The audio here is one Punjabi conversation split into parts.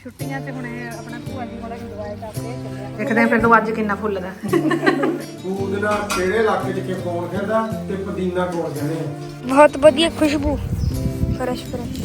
ਛੁੱਟੀਆਂ 'ਚ ਹੁਣ ਇਹ ਆਪਣਾ ਭੂਆ ਜੀ ਕੋਲ ਇੰਜੋਏ ਕਰਦੇ ਚੱਲਿਆ। ਦੇਖਦੇ ਆਂ ਫਿਰ ਤੋਂ ਅੱਜ ਕਿੰਨਾ ਫੁੱਲਦਾ। ਬੂਦਨਾ ਕਿਹੜੇ ਇਲਾਕੇ 'ਚ ਕਿ ਕੌਣ ਖੇਡਦਾ ਤੇ ਪੁਦੀਨਾ ਕੋਲ ਜਾਂਦੇ ਆ। बहुत बढ़िया खुशबू फ्रेश फ्रेश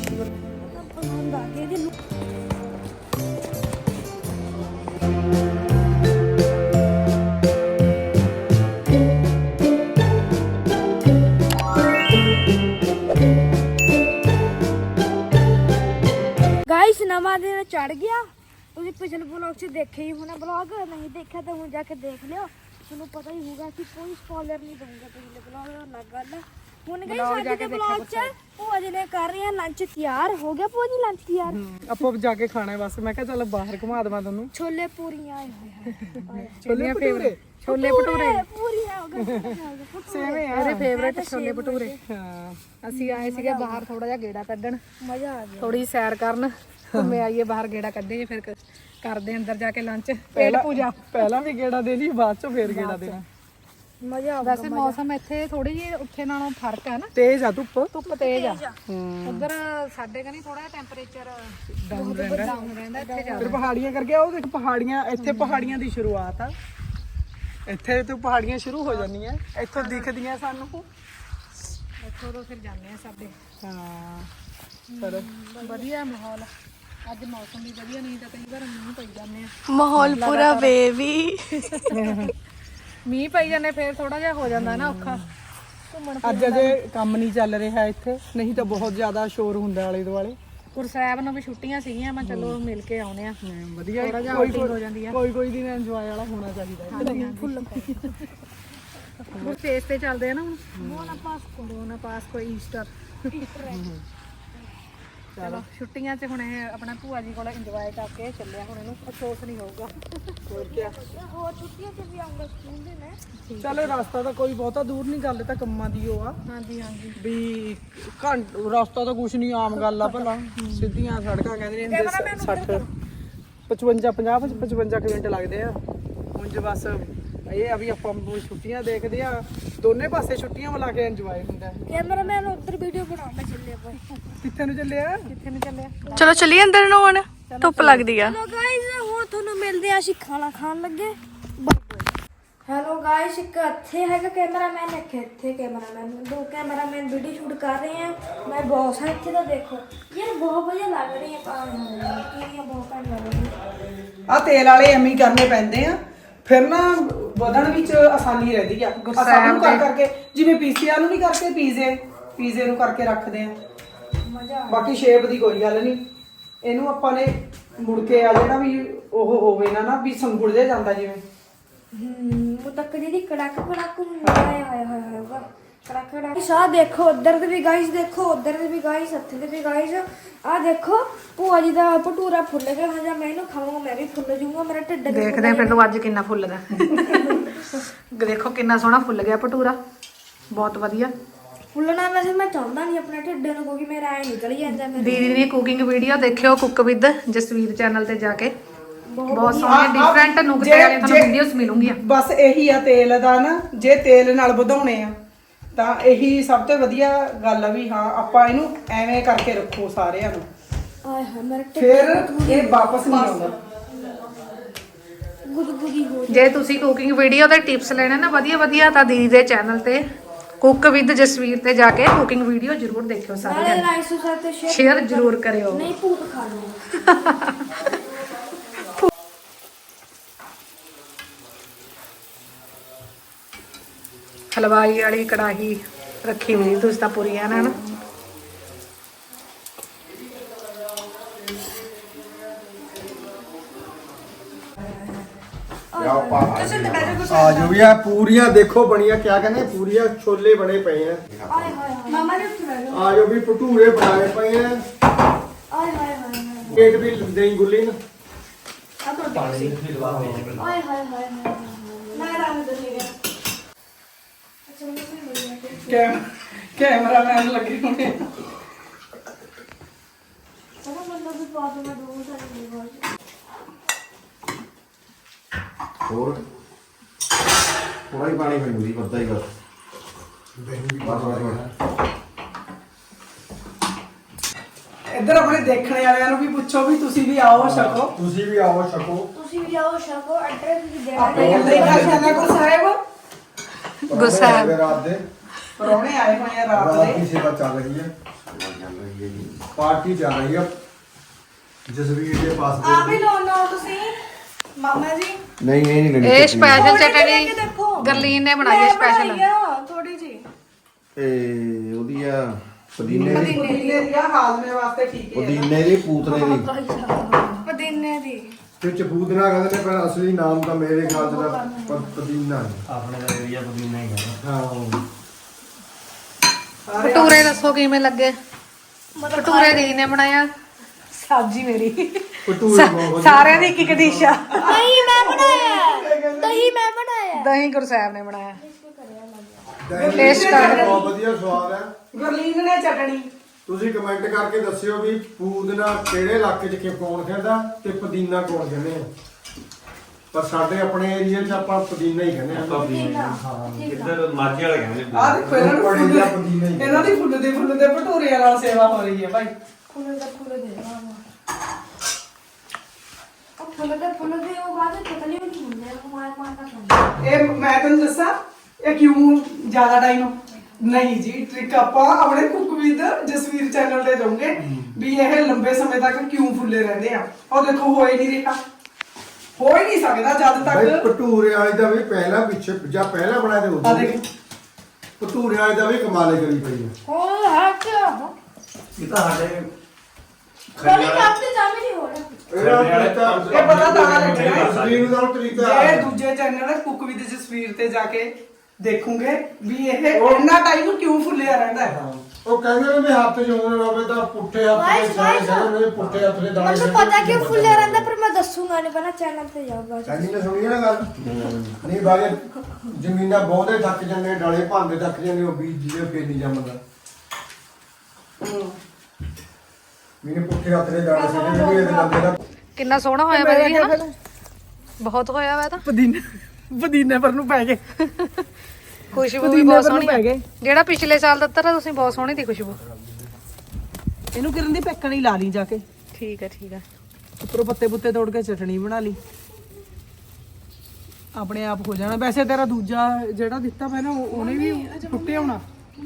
गाइस नवा दिन चढ़ गया। तुझे पिछले ब्लॉग से देखे ही होना, ब्लॉग नहीं देखा तो मुझे जाके देख लियो, तुम्हें पता ही होगा कि कोई स्पॉइलर नहीं दूंगा पिछले ब्लॉग में। अलग गल ਹੁਣ ਗਈ ਸਾਡੇ ਦੇ ਬਲੌਗ ਚ ਭੂਆ ਜੀ ਨੇ ਕਰ ਰਹੇ ਆ ਲੰਚ ਤਿਆਰ ਹੋ ਗਿਆ। ਭੂਆ ਜੀ ਲੰਚ ਤਿਆਰ ਆਪਾਂ ਜਾ ਕੇ ਖਾਣਾ ਬਸ। ਮੈਂ ਕਿਹਾ ਚੱਲ ਬਾਹਰ ਘੁਮਾ ਦਵਾਂ ਤੁਹਾਨੂੰ। ਛੋਲੇ ਪੂਰੀਆਂ ਆਏ ਹੋਏ ਛੋਲੇ ਭਟੂਰੇ, ਛੋਲੇ ਭਟੂਰੇ ਪੂਰੀਆਂ ਹੋ ਗਏ ਸੇਮ ਹੈ ਮੇਰੇ ਫੇਵਰੇਟ ਛੋਲੇ ਭਟੂਰੇ। ਹਾਂ ਅਸੀਂ ਆਏ ਸੀਗੇ ਬਾਹਰ ਥੋੜਾ ਜਿਹਾ ਗੇੜਾ ਕੱਢਣ, ਮਜ਼ਾ ਆ ਗਿਆ। ਥੋੜੀ ਸੈਰ ਕਰਨ ਘੁੰਮੇ ਆਈਏ ਬਾਹਰ ਗੇੜਾ ਕੱਢੇ ਫਿਰ ਕਰਦੇ ਅੰਦਰ ਜਾ ਕੇ ਲੰਚ ਪੇਟ ਪੂਜਾ। ਪਹਿਲਾਂ ਵੀ ਗੇੜਾ ਦੇ ਲਈ ਬਾਅਦ ਚੋਂ ਫੇਰ ਗੇੜਾ ਦੇਣਾ। ਮਜ਼ਾ ਆ। ਵੈਸੇ ਮੌਸਮ ਇੱਥੇ ਥੋੜੀ ਜਿਹੀ ਉੱਥੇ ਨਾਲੋਂ ਫਰਕ ਹੈ ਨਾ, ਤੇਜ਼ ਆ ਧੁੱਪ ਤੇਜ਼ ਆ। ਉਧਰ ਸਾਡੇ ਕਨੀ ਥੋੜਾ ਜਿਹਾ ਟੈਂਪਰੇਚਰ ਡਾਊਨ ਰਹਿੰਦਾ ਇੱਥੇ ਜ਼ਿਆਦਾ। ਫਿਰ ਪਹਾੜੀਆਂ ਕਰਕੇ ਉਹ ਦੇਖ ਪਹਾੜੀਆਂ, ਇੱਥੇ ਪਹਾੜੀਆਂ ਦੀ ਸ਼ੁਰੂਆਤ ਆ। ਇੱਥੇ ਤੋਂ ਪਹਾੜੀਆਂ ਸ਼ੁਰੂ ਹੋ ਜਾਂਦੀਆਂ, ਇੱਥੋਂ ਦਿਖਦੀਆਂ ਸਾਨੂੰ, ਇੱਥੋਂ ਤੋਂ ਫਿਰ ਜਾਂਦੇ ਆ ਸਾਡੇ। ਹਾਂ ਚਲੋ ਵਧੀਆ ਮਾਹੌਲ ਅੱਜ, ਮੌਸਮ ਵੀ ਵਧੀਆ, ਨਹੀਂ ਤਾਂ ਕਈ ਵਾਰ ਮੀਂਹ ਪਈ ਜਾਂਦੇ ਆ। ਮਾਹੌਲ ਪੂਰਾ ਬੇਬੀ ਮੀਂਹ ਪਈ ਜਾਂਦੇ ਫਿਰ ਥੋੜਾ ਜਿਹਾ ਹੋ ਜਾਂਦਾ ਨਾ ਔਖਾ ਘੁੰਮਣ। ਅੱਜ ਅਜੇ ਕੰਮ ਨਹੀਂ ਚੱਲ ਰਿਹਾ ਇੱਥੇ, ਨਹੀਂ ਤਾਂ ਬਹੁਤ ਜ਼ਿਆਦਾ ਸ਼ੋਰ ਹੁੰਦਾ ਆਲੇ ਦੁਆਲੇ। ਗੁਰਸਾਹਿਬ ਨੂੰ ਵੀ ਛੁੱਟੀਆਂ ਸੀਗੀਆਂ, ਮੈਂ ਚਲੋ ਮਿਲ ਕੇ ਆਉਨੇ ਆ। ਵਧੀਆ ਥੋੜਾ ਜਿਹਾ ਆਊਟਿੰਗ ਹੋ ਜਾਂਦੀ ਆ। ਕੋਈ ਦਿਨ ਇੰਜੋਏ ਵਾਲਾ ਹੋਣਾ ਚਾਹੀਦਾ। ਫੁੱਲ ਗੁਰਸੇਸ ਤੇ ਚੱਲਦੇ ਆ ਨਾ ਹੁਣ। ਮੋਨਾ ਪਾਸਕੋ ਈਸਟਰ। ਚਲੋ ਛੁੱਟੀਆਂ 'ਚ ਹੁਣ ਇਹ ਆਪਣਾ ਭੂਆ ਜੀ ਕੋਲ ਇੰਜੋਏ ਕਰਕੇ ਚੱਲਿਆ। ਹੁਣ ਇਹਨੂੰ ਅਫਸੋਸ ਨਹੀਂ ਹੋਊਗਾ। ਹੋਰ ਕੀ ਹੋਰ ਛੁੱਟੀਆਂ ਚ ਵੀ ਆਉਂਗਾ ਸਕੂਲ ਦੇ ਨੇ। ਚਲੋ ਰਸਤਾ ਤਾਂ ਕੋਈ ਬਹੁਤਾ ਦੂਰ ਨਹੀਂ, ਗੱਲ ਤਾਂ ਕੰਮਾਂ ਦੀ ਉਹ ਆ। ਹਾਂਜੀ ਵੀ ਰਸਤਾ ਤਾਂ ਕੁਛ ਨਹੀਂ, ਆਮ ਗੱਲ ਆ ਭਲਾ। ਸਿੱਧੀਆਂ ਸੜਕਾਂ ਕਹਿੰਦੇ ਨੇ 60 55 ਮਿੰਟ ਲੱਗਦੇ ਆ। ਹੁਣ ਜੇ ਬਸ ਇਹ ਆ ਵੀ ਆਪਾਂ ਛੁੱਟੀਆਂ ਦੇਖਦੇ ਆ, ਦੋਨੇ ਪਾਸੇ ਛੁੱਟੀਆਂ ਮਿਲਾ ਕੇ ਇੰਜੋਏ ਹੁੰਦਾ। ਕੈਮਰਾਮੈਨ ਉੱਧਰ ਵੀਡੀਓ ਬਣਾਉਂਦਾ ਚੱਲੇ ਆਪਾਂ। ਕਿੱਥੇ ਨੂੰ ਚੱਲਿਆ? ਚਲੋ ਚੱਲੀਏ ਅੰਦਰ ਨੂੰ, ਹੁਣ ਧੁੱਪ ਲੱਗਦੀ ਆ। ਹੈਲੋ ਗਾਇਸ, ਹੁਣ ਤੁਹਾਨੂੰ ਮਿਲਦੇ ਆ, ਅਸੀਂ ਖਾਣਾ ਖਾਣ ਲੱਗੇ। ਹੈਲੋ ਗਾਇਸ, ਇੱਕ ਇੱਥੇ ਹੈਗਾ ਕੈਮਰਾਮੈਨ, ਇੱਕ ਇੱਥੇ ਕੈਮਰਾਮੈਨ, ਦੋ ਕੈਮਰਾਮੈਨ ਵੀਡੀਓ ਸ਼ੂਟ ਕਰ ਰਹੇ ਆ। ਮੈਂ ਬੌਸ ਹਾਂ ਇੱਥੇ ਦਾ। ਦੇਖੋ ਯਾਰ ਬਹੁਤ ਵਧੀਆ ਲੱਗ ਰਹੀ ਹੈ ਪਾਣੀ, ਬਹੁਤ ਘੱਟ ਲੱਗ ਰਹੀ ਆ ਤੇਲ ਵਾਲੇ ਐਵੇਂ ਹੀ ਕਰਨੇ ਪੈਂਦੇ ਆ, ਫਿਰ ਨਾ ਵਧਣ ਵਿੱਚ ਆਸਾਨੀ ਰਹਿੰਦੀ ਆ। ਸਭ ਨੂੰ ਕਰਕੇ ਜਿਵੇਂ ਪੀਸੀਆਰ ਨੂੰ ਵੀ ਕਰਕੇ ਪੀਜ਼ੇ ਨੂੰ ਕਰਕੇ ਰੱਖਦੇ ਆ। ਬਾਕੀ ਸ਼ੇਪ ਦੀ ਕੋਈ ਗੱਲ ਨਹੀਂ, ਇਹਨੂੰ ਆਪਾਂ ਨੇ ਮੁੜ ਕੇ ਆ ਜਿਹੜਾ ਵੀ ਉਹ ਹੋਵੇ ਨਾ ਵੀ ਸੰਗੁੜ ਜਿਹਾ ਜਾਂਦਾ ਜਿਵੇਂ। ਉਹ ਤੱਕ ਜਿਹੜੀ ਕੜਕ ਹੁੰਦਾ ਹੈ। ਹਾਏ ਹਾਏ ਹਾਏ ਵਾ ਕੜਕ। ਸਾਹ ਦੇਖੋ, ਉਧਰ ਦੇ ਵੀ ਗਾਇਸ ਦੇਖੋ, ਉਧਰ ਦੇ ਵੀ ਗਾਇਸ, ਇੱਥੇ ਦੇ ਵੀ ਗਾਇਸ। ਆ ਦੇਖੋ ਭੂਆ ਜੀ ਦਾ ਭਟੂਰਾ ਫੁੱਲ ਗਿਆ। ਜਾਂ ਮੈਂ ਇਹਨੂੰ ਖਾਵਾਂਗਾ ਮੈਂ ਵੀ ਫੁੱਲ ਜਾਊਂਗਾ, ਮੇਰਾ ਢਿੱਡ। ਦੇਖਦੇ ਆਂ ਫਿਰ ਤੋਂ ਅੱਜ ਕਿੰਨਾ ਫੁੱਲਦਾ। ਦੇਖੋ ਕਿੰਨਾ ਸੋਹਣਾ ਫੁੱਲ ਗਿਆ ਭਟੂਰਾ, ਬਹੁਤ ਵਧੀਆ ਫੁੱਲਣਾ। ਵੈਸੇ ਮੈਂ ਚਾਹੁੰਦਾ ਨਹੀਂ ਆਪਣੇ ਢਿੱਡ ਨੂੰ, ਕਿਉਂਕਿ ਮੇਰਾ ਐ ਨਿਕਲ ਜਾਂਦਾ। ਦੀਦੀ ਦੀ ਕੁਕਿੰਗ ਵੀਡੀਓ ਦੇਖਿਓ ਕੁੱਕ ਵਿਦ ਜਸਵੀਰ ਚੈਨਲ ਤੇ ਜਾ ਕੇ, ਬਹੁਤ ਸੋਹਣੇ ਡਿਫਰੈਂਟ ਨੁਕਤੇ ਵਾਲੇ ਤੁਹਾਨੂੰ ਵੀਡੀਓਜ਼ ਮਿਲੂਗੀਆਂ। ਬਸ ਇਹੀ ਆ ਤੇਲ ਦਾ ਨਾ, ਜੇ ਤੇਲ ਨਾਲ ਵਧਾਉਣੇ ਆ ਤਾਂ ਇਹੀ ਸਭ ਤੋਂ ਵਧੀਆ ਗੱਲ ਆ ਵੀ ਹਾਂ ਆਪਾਂ ਇਹਨੂੰ ਐਵੇਂ ਕਰਕੇ ਰੱਖੋ ਸਾਰਿਆਂ ਨੂੰ, ਆਏ ਹਾਏ ਮੇਰਾ ਫਿਰ ਇਹ ਵਾਪਸ ਨਹੀਂ ਆਉਂਦਾ। ਗੁਦਗੁਦੀ ਹੋ। ਜੇ ਤੁਸੀਂ ਕੁਕਿੰਗ ਵੀਡੀਓ ਦੇ ਟਿਪਸ ਲੈਣੇ ਨਾ ਵਧੀਆ ਤਾਂ ਦੀਦੀ ਦੇ ਚੈਨਲ ਤੇ ਕੁੱਕ ਵਿਦ ਜਸਵੀਰ ਤੇ ਜਾ ਕੇ ਕੁਕਿੰਗ ਵੀਡੀਓ ਜ਼ਰੂਰ ਦੇਖਿਓ ਸਾਰੇ ਨਾਲੇ ਲਾਈਕ ਸਬਸਕ੍ਰਾਈਬ ਤੇ ਸ਼ੇਅਰ ਜ਼ਰੂਰ ਕਰਿਓ। ਨਹੀਂ ਭੂਤ ਖਾ ਲਓ। ਹਲਵਾਈ ਵਾਲੀ ਕੜਾਹੀ ਰੱਖੀ ਹੋਈ ਤੁਸੀਂ ਤਾਂ ਪੂਰੀ ਹੈ ਨਾ। ਆ ਜੋ ਵੀ ਆ ਪੂਰੀਆਂ ਦੇਖੋ ਬਣੀਆਂ, ਕਿਆ ਕਹਿੰਦੇ ਪੂਰੀਆਂ ਛੋਲੇ ਬਣੇ ਪਏ ਆ। ਆਏ ਹਾਏ ਮਾਮਾ ਨੇ ਉੱਠ ਆ ਜੋ ਵੀ ਭਟੂਰੇ ਬਣਾਏ ਪਏ ਆ। ਆਏ ਹਾਏ ਹਾਏ ਕੇਕ ਵੀ ਦੇਈ ਗੁੱਲੀ ਨੂੰ। ਆਏ ਹਾਏ ਹਾਏ ਹਾਏ ਮੈਂ ਰਾਮ ਦੇ ਗਿਆ। ਕੈਮਰਾਮੈਨ ਲੱਗੇ ਹੋਣੇ। ਚਲੋ ਮੈਨੂੰ ਵੀ ਪਾ ਦੋ, ਮੈਂ ਦੋ ਸਾਰੀ ਨਹੀਂ ਹੋਰ ਥੋੜਾ ਹੀ ਪਾਣੀ ਪੀਂਦੀ ਪਤਾ ਹੀ ਗੱਲ। ਇੱਧਰ ਆਪਣੇ ਦੇਖਣੇ ਵਾਲਿਆਂ ਨੂੰ ਵੀ ਪੁੱਛੋ ਵੀ ਤੁਸੀਂ ਵੀ ਆਓ ਛਕੋ। ਤੁਸੀਂ ਵੀ ਆਓ ਛਕੋ। ਤੁਸੀਂ ਵੀ ਆਓ ਸ਼ਕੋ ਐਡਰੈਸ ਵੀ ਦੇਣਾ ਆਪਣੇ ਕੱਲੇ ਖਾਣਾ ਕੋ ਸਾਹਿਬ ਗੁਰਸਾਹਿਬ। ਰਾਤ ਦੇ ਪਰੌਣੇ ਆਏ ਹੋਏ ਆ ਰਾਤ ਰਾਤ ਦੇ। ਦੀ ਸੇਵਾ ਚੱਲ ਰਹੀ ਹੈ। ਪਾਰਟੀ ਚੱਲ ਰਹੀ ਹੈ ਜਸਵੀਰ ਦੇ ਪਾਸ ਆ ਵੀ ਲਓ ਤੁਸੀਂ ਮਾਮਾ ਜੀ। ਨਹੀਂ ਇਹ ਨਹੀਂ ਇਹ ਸਪੈਸ਼ਲ ਥੋੜੀ ਜਿਹੀ ਲੈ ਚਟਨੀ ਕੇ ਦੇਖੋ। ਗਰਲੀਨ ਨੇ ਬਣਾਈ ਹੈ ਸਪੈਸ਼ਲ। ਥੋੜੀ ਜੀ ਇਹ ਉਹਦੀ ਆ ਪੁਦੀਨੇ ਦੀ ਪੁਦੀਨੇ ਦੀ ਹਾਜ਼ਮੇ ਵਾਸਤੇ ਠੀਕ ਹੈ। ਪੁਦੀਨੇ ਦੀ ਪੂਤਨੇ ਦੀ ਪੁਦੀਨੇ ਦੀ ਤੇ ਚਪੂਦਨਾ ਕਹਿੰਦੇ ਨੇ ਪਰ ਅਸਲੀ ਨਾਮ ਤਾਂ ਮੇਰੇ ਖਿਆਲ ਦਾ ਪੁਦੀਨਾ ਹੈ। ਆਪਣੇ ਦਾ ਏਰੀਆ ਪੁਦੀਨਾ ਹੀ ਹੈ। ਹਾਂ ਭਟੂਰੇ ਦੱਸੋ ਕਿਵੇਂ ਲੱਗੇ? ਭਟੂਰੇ ਦੀ ਨੇ ਬਣਾਇਆ, ਸਬਜ਼ੀ ਮੇਰੀ। ਭਟੂਰੇ ਬਹੁਤ ਸਾਰਿਆਂ ਦੀ ਇੱਕ ਇੱਕ ਡਿਸ਼ ਆ। ਦਹੀਂ ਮੈਂ ਬਣਾਇਆ ਦਹੀਂ ਮੈਂ ਬਣਾਇਆ ਦਹੀਂ ਗੁਰਸਾਹਿਬ ਨੇ ਬਣਾਇਆ। ਦਹੀਂ ਟੇਸਟ ਕਰ। ਬਹੁਤ ਵਧੀਆ ਸਵਾਦ ਹੈ। ਗੁਰਲੀਨ ਨੇ ਚਟਣੀ ਤੁਸੀਂ ਕਮੈਂਟ ਕਰਕੇ ਦੱਸਿਓ ਵੀ ਪੁਦੀਨਾ ਕਿਹੜੇ ਇਲਾਕੇ 'ਚ ਕੌਣ ਕਹਿੰਦਾ ਤੇ ਪੁਦੀਨਾ ਕੌਣ ਕਹਿੰਦੇ ਆ। ਪਰ ਸਾਡੇ ਆਪਣੇ ਏਰੀਆ 'ਚ ਆਪਾਂ ਪੁਦੀਨਾ ਹੀ ਕਹਿੰਦੇ ਆ। ਇੱਧਰ ਮਾਝੇ ਵਾਲੇ ਕਹਿੰਦੇ ਆ ਦੇਖੋ ਇਹਨਾਂ ਨੂੰ ਬੜੇ ਜਿਹਾ ਪੁਦੀਨਾ ਹੀ। ਇਹਨਾਂ ਦੀ ਫੁੱਲ ਦੇ ਭਟੂਰਿਆਂ ਨਾਲ ਸੇਵਾ ਹੋ ਰਹੀ ਹੈ ਭਾਈ। ਫੁੱਲ ਦੇ ਫੁੱਲ ਦੇ ਉਹ ਬਾਅਦ ਪਤਲੀ ਹੋ ਨਹੀਂ ਹੁੰਦੇ ਉਹ ਮਾਰ ਖਾਂਦੇ। ਇਹ ਮੈਂ ਤੁਹਾਨੂੰ ਦੱਸਾਂ ਇਹ ਕਿਉਂ ਜ਼ਿਆਦਾ ਟਾਈਮ ਨਹੀਂ ਜੀ। ਟ੍ਰਿਕ ਆਪਾਂ ਆਪਣੇ ਕੁੱਕ ਵਿਦ ਜਸਵੀਰ ਚੈਨਲ ਤੇ ਜਾਉਂਗੇ ਵੀ ਇਹ ਲੰਬੇ ਸਮੇਂ ਤੱਕ ਕਿਉਂ ਫੁੱਲੇ ਰਹਿੰਦੇ ਆ। ਉਹ ਦੇਖੋ ਹੋ ਹੀ ਨਹੀਂ ਰਿਹਾ, ਹੋ ਹੀ ਨਹੀਂ ਸਕਦਾ ਜਦ ਬਈ ਤੱਕ। ਭਟੂਰੇ ਵਾਲੇ ਦਾ ਵੀ ਪਹਿਲਾਂ ਪਿੱਛੇ ਜਾਂ ਪਹਿਲਾਂ ਬਣਾਏ ਤੇ ਆ ਉਦੋਂ ਦੇਖ ਭਟੂਰੇ ਵਾਲੇ ਦਾ ਵੀ ਕਮਾਲੇ ਕਰੀ ਪਈ ਹੈ। ਉਹ ਹੱਥ ਇਹ ਤਾਂ ਸਾਡੇ ਕਦੀ ਕੰਮ ਤੇ ਜਾਮ ਨਹੀਂ ਹੋ ਰਿਹਾ। ਇਹ ਪਤਾ ਤਾਂ ਲੱਗਣਾ ਜਸਵੀਰ ਦਾ ਤਰੀਕਾ ਜੇ ਦੂਜੇ ਚੈਨਲ ਕੁੱਕ ਵਿਦ ਜਸਵੀਰ ਤੇ ਜਾ ਕੇ ਦੇਖੂਗੇ ਵੀ ਇਹ ਇੰਨਾ ਟਾਈਮ ਕਿਉਂ ਫੁੱਲਿਆ ਰਹਿੰਦਾ ਹੈ। ਉਹ ਕਹਿੰਦੇ ਨੇ ਵੀ ਹੱਥ 'ਚ ਹੋਣ ਰਵੇ ਤਾਂ ਪੁੱਠੇ ਹੱਥ ਦੇ ਸਾਰੇ ਸਾਰੇ ਨੇ ਪੁੱਠੇ ਹੱਥ ਦੇ ਦਾਣੇ ਮੈਨੂੰ ਪਤਾ ਕਿ ਫੁੱਲੇ ਰਹਿੰਦਾ ਪਰ ਮੈਂ ਦੱਸੂਗਾ ਨਹੀਂ ਪਹਿਲਾਂ ਚੈਨਲ ਤੇ ਜਾਊਗਾ। ਕਹਿੰਦੀ ਨੇ ਸੁਣੀ ਨਾ ਗੱਲ ਨਹੀਂ ਬਾਗੇ ਜ਼ਮੀਨਾਂ ਬਹੁਤੇ ਥੱਕ ਜਾਂਦੇ ਡਾਲੇ ਭਾਂਦੇ ਥੱਕ ਜਾਂਦੇ ਉਹ ਬੀਜ ਜਿਹੇ ਫੇਰ ਨਹੀਂ ਜੰਮਦਾ। ਮੈਨੇ ਪੁੱਠੇ ਹੱਥ ਦੇ ਦਾਣੇ ਸਿੱਟੇ ਨੇ ਵੀ ਇਹਦੇ ਬੰਦੇ ਦਾ ਕਿੰਨਾ ਸੋਹਣਾ ਹੋਇਆ ਬਾਈ ਹਨਾ। ਬਹੁਤ ਹੋਇਆ ਵਾ ਤਾਂ। ਪੁਦੀਨੇ ਪਰ ਨੂੰ ਪੈ ਗਏ। ਖੁਸ਼ਬੂ ਵੀ ਪੁਦੀਨੇ ਬਹੁਤ ਪਰ ਨੂੰ ਸੋਹਣੀ ਪੈ ਆ। ਗਏ। ਜਿਹੜਾ ਪਿਛਲੇ ਸਾਲ ਦਿੱਤਾ ਤਾਂ ਤੁਸੀਂ ਬਹੁਤ ਸੋਹਣੀ ਦੀ ਖੁਸ਼ਬੂ। ਇਹਨੂੰ ਕਿਰਨ ਦੀ ਪੈਕਣ ਹੀ ਲਾ ਲਈ ਜਾ ਕੇ। ਠੀਕ ਹੈ ਠੀਕ ਹੈ। ਉੱਪਰੋਂ ਪੱਤੇ ਪੁੱਤੇ ਤੋੜ ਕੇ ਚਟਣੀ ਬਣਾ ਲਈ ਆਪਣੇ ਆਪ ਹੋ ਜਾਣਾ। ਵੈਸੇ ਤੇਰਾ ਦੂਜਾ ਜਿਹੜਾ ਦਿੱਤਾ ਮੈਂ ਨਾ ਉਹਨੇ ਵੀ ਟੁੱਟੇ ਹੋਣਾ।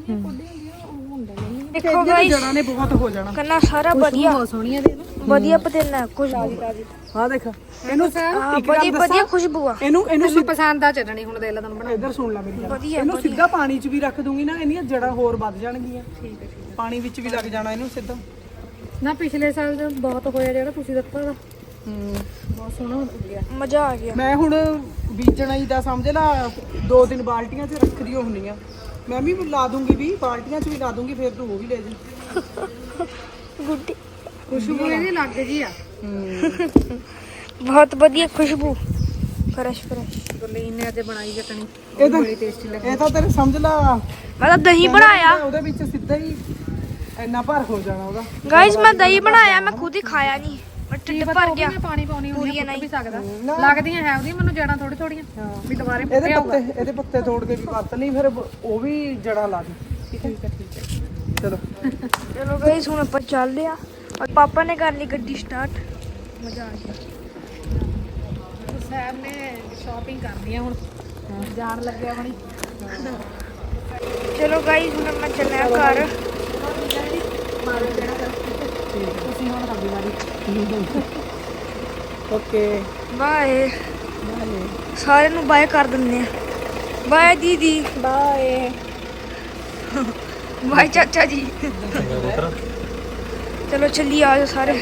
ਦੇਖੋ ਗਾਇਸ ਜੜਾਂ ਨੇ ਬਹੁਤ ਹੋ ਜਾਣਾ। ਕੰਨਾ ਸਾਰਾ ਵਧੀਆ ਬਹੁਤ ਸੋਹਣੀ ਆ ਦੇ ਵਧੀਆ ਪੁਦੀਨਾ ਖੁਸ਼ਬੂ ਹਾਂ ਦੇਖ ਇਹਨੂੰ ਇੱਕ ਗੱਲ ਵਧੀਆ ਦੱਸਾਂ ਖੁਸ਼ਬੂ ਆ। ਇਹਨੂੰ ਮੈਨੂੰ ਪਸੰਦ ਆ ਚਟਣੀ ਹੁਣ ਦੇ ਲਾ ਤੁਹਾਨੂੰ ਬਣਾ। ਇੱਧਰ ਸੁਣ ਲੈ ਮੇਰੀ ਗੱਲ। ਵਧੀਆ, ਇਹਨੂੰ ਸਿੱਧਾ ਪਾਣੀ 'ਚ ਵੀ ਰੱਖ ਦੂੰਗੀ ਨਾ ਇਹਦੀਆਂ ਜੜਾਂ ਹੋਰ ਵੱਧ ਜਾਣਗੀਆਂ। ਠੀਕ ਹੈ ਪਾਣੀ ਵਿੱਚ ਵੀ ਲੱਗ ਜਾਣਾ ਇਹਨੂੰ ਸਿੱਧਾ। ਨਾ ਪਿਛਲੇ ਸਾਲ ਦਾ ਬਹੁਤ ਹੋਇਆ ਜਿਹੜਾ ਤੁਸੀਂ ਦਿੱਤਾ ਦਾ। ਬਹੁਤ ਸੋਹਣਾ ਹੋ ਗਿਆ। ਮਜ਼ਾ ਆ ਗਿਆ। ਮੈਂ ਹੁਣ ਬੀਜਣਾ ਹੀ ਦਾ ਸਮਝ ਲਾ 2-3 ਬਾਲਟੀਆਂ 'ਚ ਰੱਖਦੀ ਹੁੰਦੀਆਂ। ਮੈਂ ਵੀ ਲਾ ਦੂੰਗੀ ਵੀ ਬਾਲਟੀਆਂ 'ਚ ਵੀ ਲਾ ਦੂੰਗੀ ਫਿਰ ਤੂੰ ਉਹ ਵੀ ਲੈ ਜੀ। ਗੁੱਡੀ ਖੁਸ਼ਬੂ ਇਹਦੀ ਲੱਗ ਜੀ ਆ। ਬਹੁਤ ਵਧੀਆ ਖੁਸ਼ਬੂ ਫਰੈਸ਼ ਗੁਰਲੀਨ ਨੇ ਅੱਜ ਬਣਾਈ ਚਟਣੀ। ਇਹ ਤਾਂ ਬੜੀ ਟੇਸਟੀ ਲੱਗੀ। ਇਹ ਤਾਂ ਤੇਰੇ ਸਮਝ ਲਾ ਮੈਂ ਤਾਂ ਦਹੀਂ ਬਣਾਇਆ ਉਹਦੇ ਵਿੱਚ ਸਿੱਧਾ ਹੀ ਇੰਨਾ ਭਰ ਹੋ ਜਾਣਾ ਉਹਦਾ। ਗਾਇਸ ਮੈਂ ਦਹੀਂ ਬਣਾਇਆ ਮੈਂ ਖੁਦ ਹੀ ਖਾਇਆ ਨਹੀਂ ਮੈਂ ਢਿੱਡ ਭਰ ਗਿਆ। ਪਾਣੀ ਪਾਉਣੀ ਹੁੰਦੀ ਪੂਰੀਆਂ ਆ ਨਹੀਂ। ਵੀ ਸਕਦਾ। ਲੱਗਦੀਆਂ ਹੈ ਉਹਦੀ ਮੈਨੂੰ ਜੜਾਂ ਥੋੜੀ ਥੋੜੀਆਂ ਵੀ ਦੁਬਾਰੇ ਪੁੱਟਿਆ ਹੋਊਗਾ। ਇਹਦੇ ਪੱਤੇ ਤੋੜ ਕੇ ਵੀ ਵਰਤ ਲਈ ਫਿਰ ਉਹ ਵੀ ਜੜਾਂ ਲਾ ਦੀ। ਠੀਕ ਹੈ ਚਲੋ ਚਲੋ ਗਾਇਸ ਹੁਣ ਆਪਾਂ ਚੱਲਦੇ ਆ ਔਰ ਪਾਪਾ ਨੇ ਕਰ ਲਈ ਗੱਡੀ ਸਟਾਰਟ। ਮਜ਼ਾ ਆ ਗਿਆ। ਸਾਹਿਬ ਨੇ ਸ਼ਾਪਿੰਗ ਕਰਨੀ ਆ ਹੁਣ ਜਾਣ ਲੱਗਿਆ ਬਣੀ। ਚਲੋ ਗਾਇਸ ਹੁਣ ਮੈਂ ਚੱਲਿਆ ਘਰ। ਤੁਸੀਂ ਹੁਣ ਕਰਦੀ ਵਾਰੀ। ਓਕੇ ਬਾਏ ਸਾਰਿਆਂ ਨੂੰ ਬਾਏ ਕਰ ਦਿੰਦੇ ਆ। ਬਾਏ ਦੀਦੀ ਬਾਏ ਬਾਏ ਚਾਚਾ ਜੀ। ਚਲੋ ਚੱਲੀ ਆਜੋ ਸਾਰੇ।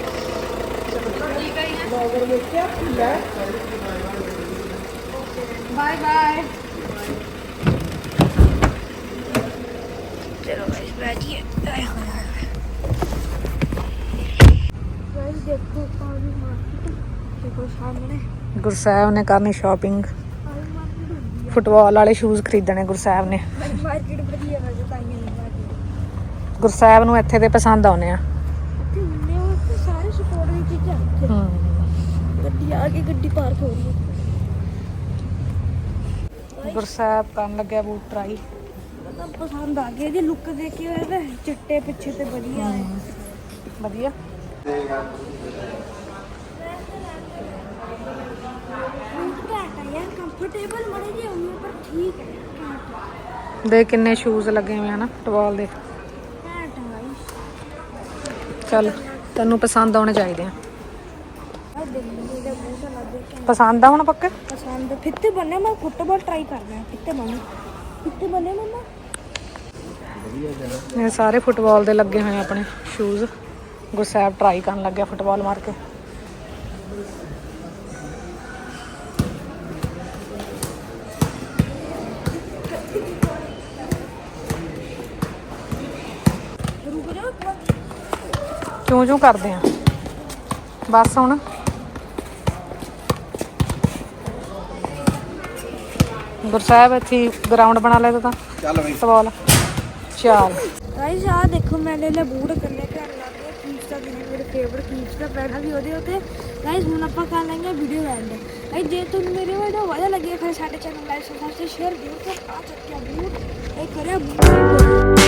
Bye bye. चलो गाइस बैठिए। गाइस देखो पानी मार्केट देखो सामने ਗੁਰਸਾਹਿਬ ਨੇ ਕਰਨੀ ਸ਼ਾਪਿੰਗ। ਫੁੱਟਬਾਲ ਵਾਲੇ ਸ਼ੂਜ਼ ਖਰੀਦਣੇ ਗੁਰਸਾਹਿਬ ਨੇ। मार्केट बढ़िया वैसे ताइयां नहीं मार्केट ਗੁਰਸਾਹਿਬ ਨੂੰ ਇੱਥੇ ਦੇ ਪਸੰਦ ਆਉਣੇ ਆ। इतने हुन्ने हो तो सारे सपोर्ट की चीजें गड्डी आगे गड्डी पार्क हो रही है। ਗੁਰਸਾਹਿਬ ਕਰਨ ਲੱਗਿਆ ਬੂਟ ਟਰਾਈ। मतलब पसंद आ गया जी लुक देख के वैसे चिट्टे पीछे ते बढ़िया है। ਵਧੀਆ। ਬੂਟ ਘੈਂਟ ਆ ਯਾਰ, ਕੰਫਰਟੇਬਲ ਮੜੇ ਜਿਹੇ ਹੋਣੇ ਪਰ ਠੀਕ ਹੈ ਘੈਂਟ ਦੇ ਕਿੰਨੇ ਸ਼ੂਜ਼ ਲੱਗੇ ਹੋਏ ਹਨ ਫੁੱਟਬਾਲ ਦੇ। ਘੈਂਟ ਆ ਗਾਈਸ। ਚੱਲ ਤੈਨੂੰ ਪਸੰਦ ਆਉਣੇ ਚਾਹੀਦੇ ਆ। ਆ ਦਿੱਲੀ ਦੇ ਬੂਟ ਲੱਗੇ ਪਸੰਦ ਆ ਹੁਣ ਪੱਕੇ? ਪਸੰਦ ਫਿੱਤੇ ਬਣੇ। ਮੈਂ ਫੁੱਟਬਾਲ ਟਰਾਈ ਕਰਨਾ ਫਿੱਤੇ ਬਣੇ ਮੰਮਾ। ਇਹ ਸਾਰੇ ਫੁੱਟਬਾਲ ਦੇ ਲੱਗੇ ਹੋਏ ਆ ਆਪਣੇ ਸ਼ੂਜ਼। ਗੁਰਸੈਬ ਟਰਾਈ ਕਰਨ ਲੱਗਿਆ ਫੁੱਟਬਾਲ ਮਾਰ ਕੇ। ਰੁਕ ਜਾ ਚੂੰ ਕਰਦੇ ਆ ਬਸ ਹੁਣ। ਗੁਰਸੈਬ ਇੱਥੇ ਗਰਾਊਂਡ ਬਣਾ ਲਿਆ ਤਾਂ ਚੱਲ ਬਈ ਫੁੱਟਬਾਲ। ਚੱਲ ਗਾਈਸ ਆ ਦੇਖੋ ਮੈਂ ਲੈ ਲੈ ਬੂਟ ਕਰਨੇ ਘਰ ਲਾ ਕੇ ਕੀਪਸ ਦਾ ਵੀ ਮੇਰੇ ਫੇਵਰਟ ਕੀਪਸ ਦਾ ਪੈਣਾ ਵੀ ਉਹਦੇ ਉੱਤੇ। ਗਾਈਸ ਹੁਣ ਆਪਾਂ ਕਰ ਲਾਂਗੇ ਵੀਡੀਓ ਐਂਡ। ਗਾਈਸ ਜੇ ਤੁਹਾਨੂੰ ਮੇਰੇ ਵੀਡੀਓ ਵਧੀਆ ਲੱਗੀ ਫਿਰ ਸਾਡੇ ਚੈਨਲ ਲਾਈਕ ਸਬਸਕ੍ਰਾਈਬ ਸ਼ੇਅਰ ਜ਼ਰੂਰ ਕਰੋ। ਆ ਚੱਕਿਆ ਬੂਟ ਇਹ ਕਰਿਆ ਬੂਟ।